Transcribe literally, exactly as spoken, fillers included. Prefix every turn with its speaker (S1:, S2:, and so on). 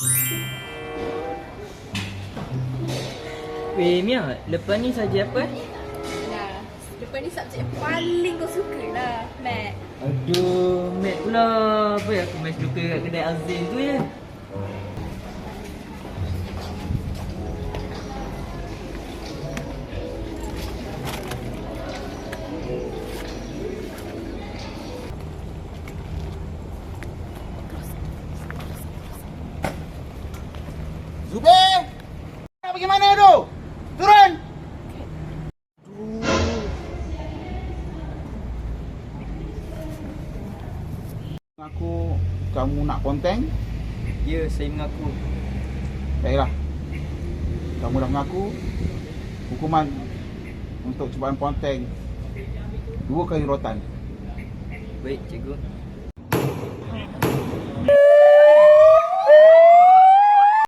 S1: Weh Mia, lepas ni saja apa?
S2: Nah, lepas ni subjek yang paling kau suka lah, Mac.
S1: Aduh, Mat pula. Apa ya aku masih suka kat kedai Azin tu ya.
S3: Zubir! Nak pergi mana tu? Turun! Mengaku kamu nak ponteng?
S1: Ya, saya mengaku.
S3: Baiklah. Kamu dah mengaku. Hukuman untuk cubaan ponteng dua kali rotan.
S1: Baik, cikgu.